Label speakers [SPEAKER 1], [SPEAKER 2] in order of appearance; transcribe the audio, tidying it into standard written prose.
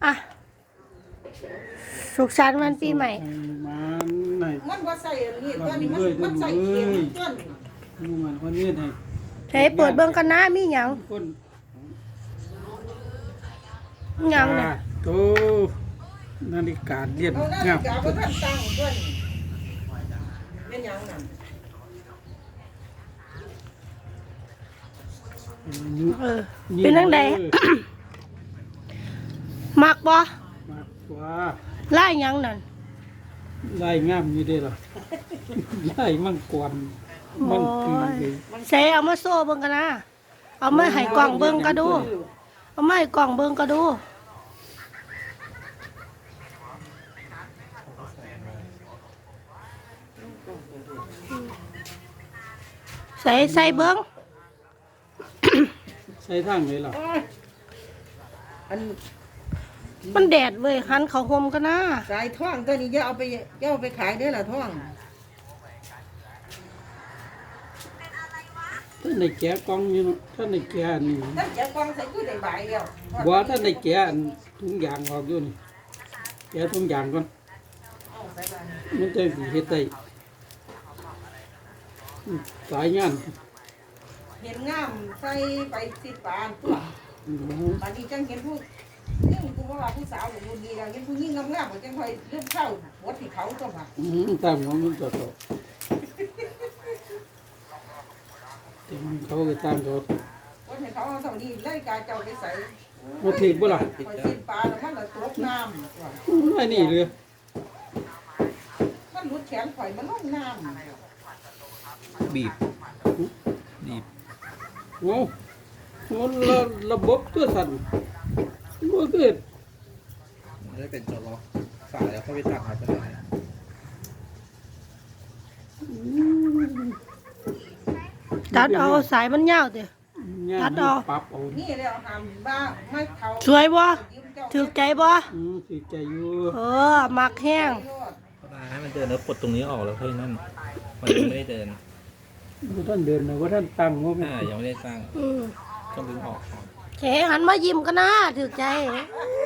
[SPEAKER 1] อ่ะสุขสันต์วันปีใหม่
[SPEAKER 2] มันไหน
[SPEAKER 3] มันว่าใส่อันนี้ตัวนี้มันใส่เข็มต้น
[SPEAKER 2] ดูมันคนนี้ให้
[SPEAKER 1] ใช้เปิดเบิ่งกันนะมีหยัง
[SPEAKER 2] คน
[SPEAKER 1] หยังเนี่ย
[SPEAKER 2] โตนาฬิกาเรียน
[SPEAKER 3] เอาหน้าง
[SPEAKER 2] าม
[SPEAKER 3] กาบ่ทันตั้งต้นเป็นหยังนั่น
[SPEAKER 1] เป็นจังไดมักบ่
[SPEAKER 2] มากกว่า
[SPEAKER 1] ลายหยังนั่น
[SPEAKER 2] ไล่งามอยู่เด้ล่ะไล่มังกรมังกรเลย
[SPEAKER 1] ใส่เอามาโซ่เบิ่งกันนะเอามาให้กล่องเบิ่งก็ดูเอามาให้กล่องเบิ่งก็ดูใส่เบิ่ง
[SPEAKER 2] ใช้ทางไหนล่ะ
[SPEAKER 3] อัน
[SPEAKER 1] มันแดดเว้ยหันเขาห่มกันนะ
[SPEAKER 3] สายท่องตัวนี้อย่าเอาไปขายได้อล่ะท่อง
[SPEAKER 2] ท่านในแกะกล่องอยู่เนาะท่านในแกะนี่
[SPEAKER 3] ถ้าจะกองใส่กูได้ใบเดียว
[SPEAKER 2] บ่ท่านในแกะอันถุงยางออกอยู่นี่แกะถุงยางก่อน
[SPEAKER 3] เอาใส่บ้าน
[SPEAKER 2] มันจะสิเฮ็ดได้สายงาน
[SPEAKER 3] เห็นงามใส่ไปสิปานตัวบัดนี้จังเห็นผู้นี่กูบ่ว่าผู้สาวอยู่ดีแล้วเห็นผู้หญิงงามๆก็จังค่อยเลื่อนเข้าหัวที่เขาตัวมา
[SPEAKER 2] ตามของมันต่อแต่มันเขาก็ตามเขา
[SPEAKER 3] หัวที่เขาเอาเท่านี้เลยกาเจ้าไปใส่
[SPEAKER 2] บ่ถีบบ่ล่ะ
[SPEAKER 3] ไปสิปานแล้วมันก็ตกน้ำว่ะ
[SPEAKER 2] ไอ้นี่เลย
[SPEAKER 3] มันหลุดแขนข่อยมันลงน้ำ
[SPEAKER 4] บีบบีบ
[SPEAKER 2] โอ้มันระบบตัวสั่นบ่เกิด
[SPEAKER 4] มันได้เป็นตัวล็อกสายแล้วเข้าไปตัดเอาไปไหน
[SPEAKER 1] ตัดเอาสายมันยาวเด้อ ตัดเอา
[SPEAKER 2] ปรับเอา
[SPEAKER 3] นี่แล้วหามบ้าไม่เขา
[SPEAKER 1] สวยบ่ถูกใจบ่
[SPEAKER 2] สิใจอยู่
[SPEAKER 1] มักแห้ง
[SPEAKER 4] ก็ได้ให้มันเดินแล้วปลดตรงนี้ออกแล้วเท่านั้นมันยังไม่ได้เดิน
[SPEAKER 2] บ่ท่านเดินนะว่าท่านตั้งว่า
[SPEAKER 4] ยังไม่ได้สร้างต้องดึงออกก่อน
[SPEAKER 1] เขหันมายิ้มกันนะถูกใจ